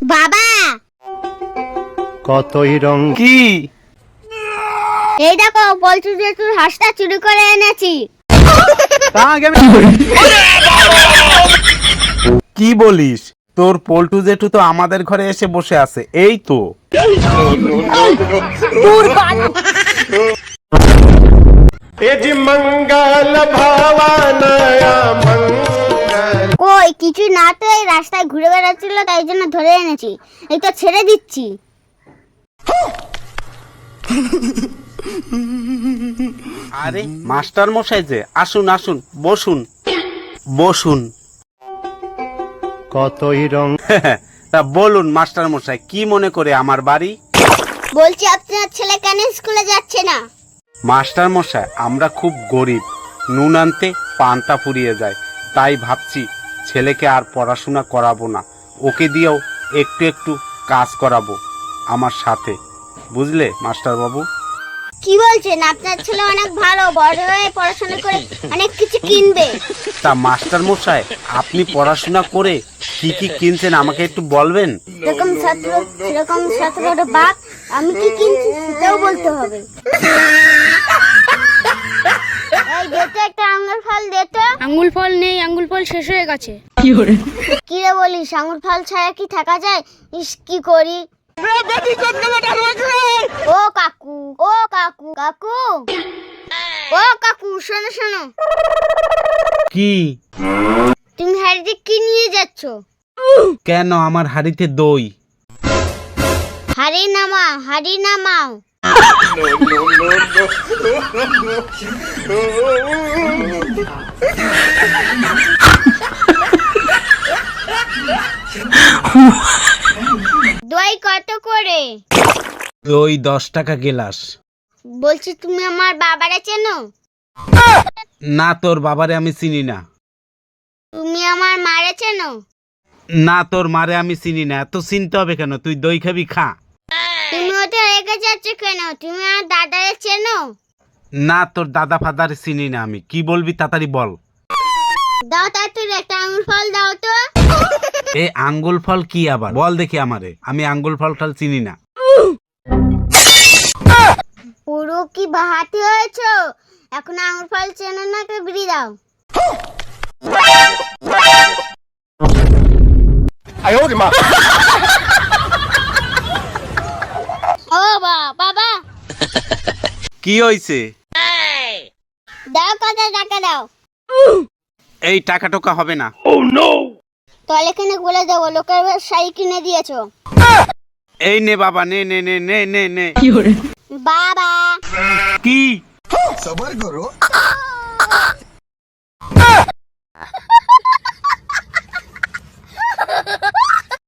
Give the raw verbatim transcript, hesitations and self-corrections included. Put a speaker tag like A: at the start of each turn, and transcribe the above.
A: বাবা
B: কতই রং
C: কি?
A: এই দেখো বলছি যে তুই হাঁসটা চুরি করে এনেছি।
C: তা আগে আমি কি বলিস? তোর পল্টু জেঠু তো আমাদের ঘরে এসে বসে আছে, এই তো।
A: কই কিছু না তো, এই রাস্তায় ঘুরে বেড়াচ্ছিল তাই জন্য ধরে এনেছি, এই তো ছেড়ে দিচ্ছি।
C: আরে মাস্টার মশাই যে, আসুন আসুন, বসুন বসুন।
B: কতই রং
C: তা বলুন মাস্টার মশাই, কি মনে করে আমার বাড়ি?
A: বলছি আপনার ছেলে কেন স্কুলে যাচ্ছে না?
C: মাস্টার মশাই, আমরা খুব গরিব, নুন আনতে পান্তা ফুরিয়ে যায়, তাই ভাবছি ছেলেকে আর পড়াশোনা করাবো না, ওকে দিয়েও একটু একটু কাজ করাবো আমার সাথে, বুঝলে মাস্টার বাবু?
A: কি বলছেন? আপনার ছেলে অনেক ভালো, বড় হয়ে পড়াশোনা করে অনেক কিছু কিনবে।
C: তা মাস্টার মশাই, আপনি পড়াশোনা করে কি কি কিনছেন আমাকে একটু বলবেন?
A: যেরকম ছাত্র সেরকম ছাত্রের বাপ, আমি কি কিনছি সেটাও বলতে হবে। এই দে তো একটা আঙ্গুর ফল দে তো।
D: আঙ্গুল ফল নেই, আঙ্গুল ফল শেষ হয়ে গেছে।
A: কি রে বলিস, আঙ্গুর ফল ছাড়া কি থাকা যায়? ইস কি করি। ও কাকু, ও কাকু, কাকু, ও কাকু, শোনো শোনো।
C: কি?
A: তুমি হাড়িতে কি নিয়ে যাচ্ছ?
C: কেন, আমার হাড়িতে দই।
A: হাড়ি নামাও, হাড়ি নামাও। দই কত করে?
C: দই দশ টাকা গেলাস।
A: বলছি তুমি আমার বাবারে চেনো?
C: না, তোর বাবারে আমি চিনি না।
A: তুমি আমার মারে চেনো?
C: না, তোর মারে আমি চিনি না। এত চিনতে হবে কেন? তুই দই খাবি, খা।
A: তুমি ওটা রেখে যাচ্ছ কেন? তুমি আমার দাদারে চেনো?
C: না, তোর দাদা ফাদার চিনি না আমি। কি বলবি তাড়াতাড়ি বল।
A: দাও তাড়াতাড়ি একটা আঙুর ফল দাও তো।
C: এ আঙ্গুল ফল কি আবার? বল দেখি আমারে, আমি আঙ্গুল ফল টাল চিনি না।
A: পুরো কি বাহাতি হয়েছো? এখন আঙুর ফল চেনো না, কে বিড়ি দাও। ও বা বাবা,
C: কি হইছে?
A: দাও কত টাকা দাও।
C: এই টাকা টোকা হবে না।
A: তাহলে এখানে বলে দেবো লোকের শাড়ি কিনে দিয়েছো।
C: এই নে বাবা, নে নে নে নে নে নে।
A: বাবা
C: কি?
E: সবার করো।